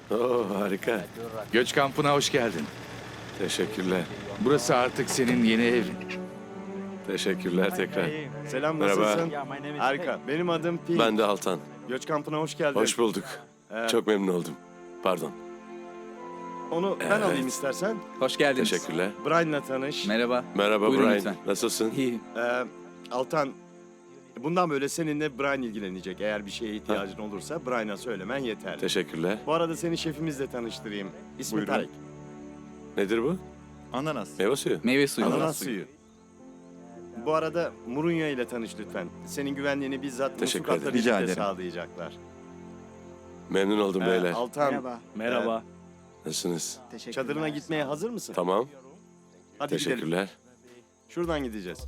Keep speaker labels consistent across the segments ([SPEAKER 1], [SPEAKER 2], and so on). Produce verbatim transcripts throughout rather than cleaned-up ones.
[SPEAKER 1] Oo, harika.
[SPEAKER 2] Göç kampına hoş geldin.
[SPEAKER 1] Teşekkürler.
[SPEAKER 2] Burası artık senin yeni evin.
[SPEAKER 1] Teşekkürler tekrar.
[SPEAKER 3] Selam,
[SPEAKER 1] Merhaba.
[SPEAKER 3] nasılsın? Harika. Benim adım Pink.
[SPEAKER 1] Ben de Altan.
[SPEAKER 3] Göç kampına hoş geldin.
[SPEAKER 1] Hoş bulduk.
[SPEAKER 3] Ee,
[SPEAKER 1] Çok memnun oldum. Pardon.
[SPEAKER 3] Onu ben
[SPEAKER 1] Evet.
[SPEAKER 3] alayım istersen.
[SPEAKER 4] Hoş geldiniz.
[SPEAKER 1] Teşekkürler.
[SPEAKER 3] Brian'la tanış.
[SPEAKER 4] Merhaba.
[SPEAKER 1] Merhaba
[SPEAKER 4] Buyurun
[SPEAKER 1] Brian.
[SPEAKER 4] lütfen.
[SPEAKER 1] Nasılsın?
[SPEAKER 4] İyi.
[SPEAKER 3] Ee, Altan, bundan böyle seninle Brian ilgilenecek. Eğer bir şeye ihtiyacın olursa Brian'a söylemen yeterli.
[SPEAKER 1] Teşekkürler.
[SPEAKER 3] Bu arada seni şefimizle tanıştırayım. İsmi
[SPEAKER 5] Buyurun.
[SPEAKER 3] Tarık.
[SPEAKER 1] Nedir bu?
[SPEAKER 5] Ananas.
[SPEAKER 1] Meyve suyu.
[SPEAKER 4] Meyve suyu.
[SPEAKER 3] Ananas suyu. Bu arada Murunya ile tanış lütfen. Senin güvenliğini bizzat
[SPEAKER 1] Teşekkür
[SPEAKER 3] muslukatla
[SPEAKER 1] ederim.
[SPEAKER 5] Rica
[SPEAKER 3] birlikte
[SPEAKER 5] ederim.
[SPEAKER 3] sağlayacaklar.
[SPEAKER 1] Memnun oldum
[SPEAKER 3] Ee,
[SPEAKER 1] beyler.
[SPEAKER 3] Altan,
[SPEAKER 6] Merhaba.
[SPEAKER 5] Merhaba.
[SPEAKER 1] Nasılsınız?
[SPEAKER 6] Teşekkürler.
[SPEAKER 3] çadırına gitmeye hazır mısın?
[SPEAKER 1] Tamam.
[SPEAKER 3] Hadi gidelim.
[SPEAKER 1] Teşekkürler.
[SPEAKER 3] Şuradan gideceğiz.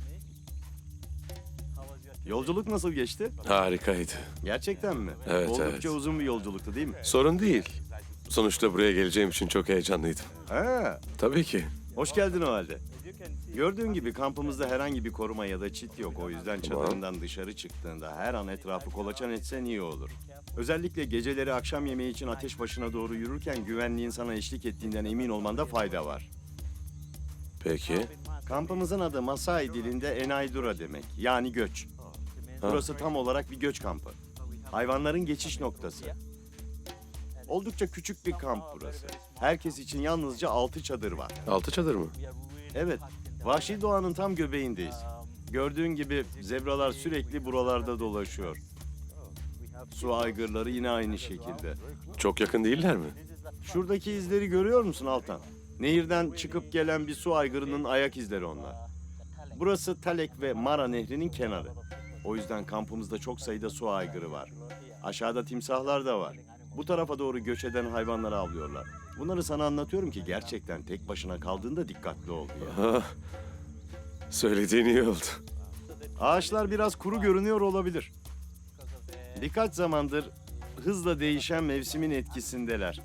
[SPEAKER 3] Yolculuk nasıl geçti?
[SPEAKER 1] Harikaydı.
[SPEAKER 3] Gerçekten mi?
[SPEAKER 1] Evet,
[SPEAKER 3] Oldukça
[SPEAKER 1] evet.
[SPEAKER 3] uzun bir yolculuktu değil mi?
[SPEAKER 1] Sorun değil. Sonuçta buraya geleceğim için çok heyecanlıydım.
[SPEAKER 3] Ha,
[SPEAKER 1] Tabii ki.
[SPEAKER 3] hoş geldin o halde. Gördüğün gibi kampımızda herhangi bir koruma ya da çit yok. O yüzden
[SPEAKER 1] Tamam.
[SPEAKER 3] çadırından dışarı çıktığında her an etrafı kolaçan etsen iyi olur. Özellikle geceleri akşam yemeği için ateş başına doğru yürürken güvenliğin sana eşlik ettiğinden emin olmanda fayda var.
[SPEAKER 1] Peki.
[SPEAKER 3] Kampımızın adı Masai dilinde Enaydura demek. Yani göç. Burası tam olarak bir göç kampı. Hayvanların geçiş noktası. Oldukça küçük bir kamp burası. Herkes için yalnızca altı çadır var.
[SPEAKER 1] Altı çadır mı?
[SPEAKER 3] Evet, vahşi doğanın tam göbeğindeyiz. Gördüğün gibi zebralar sürekli buralarda dolaşıyor. Su aygırları yine aynı şekilde.
[SPEAKER 1] Çok yakın değiller mi?
[SPEAKER 3] Şuradaki izleri görüyor musun Altan? Nehirden çıkıp gelen bir su aygırının ayak izleri onlar. Burası Talek ve Mara Nehri'nin kenarı. O yüzden kampımızda çok sayıda su aygırı var. Aşağıda timsahlar da var. Bu tarafa doğru göç eden hayvanları avlıyorlar. Bunları sana anlatıyorum ki gerçekten tek başına kaldığında dikkatli ol diye.
[SPEAKER 1] Ha, söylediğin iyi oldu.
[SPEAKER 3] Ağaçlar biraz kuru görünüyor olabilir. Birkaç zamandır hızla değişen mevsimin etkisindeler.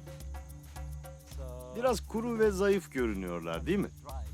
[SPEAKER 3] Biraz kuru ve zayıf görünüyorlar, değil mi?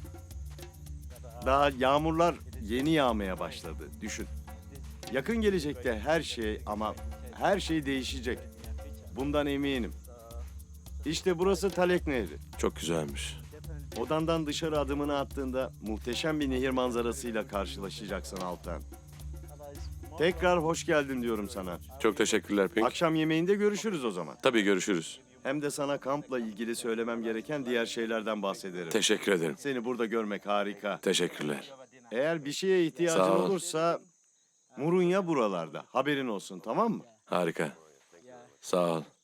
[SPEAKER 3] Daha yağmurlar yeni yağmaya başladı, düşün. Yakın gelecekte her şey ama her şey değişecek. Bundan eminim. İşte burası Talek Nehri.
[SPEAKER 1] Çok güzelmiş.
[SPEAKER 3] Odandan dışarı adımını attığında muhteşem bir nehir manzarasıyla karşılaşacaksın Altan. Tekrar hoş geldin diyorum sana.
[SPEAKER 1] Çok teşekkürler Pink.
[SPEAKER 3] Akşam yemeğinde görüşürüz o zaman.
[SPEAKER 1] Tabii görüşürüz.
[SPEAKER 3] Hem de sana kampla ilgili söylemem gereken diğer şeylerden bahsederim.
[SPEAKER 1] Teşekkür ederim.
[SPEAKER 3] Seni burada görmek harika.
[SPEAKER 1] Teşekkürler.
[SPEAKER 3] Eğer bir şeye ihtiyacın
[SPEAKER 1] Sağ ol.
[SPEAKER 3] olursa Murunya buralarda. Haberin olsun, tamam mı?
[SPEAKER 1] Harika. Sağ ol.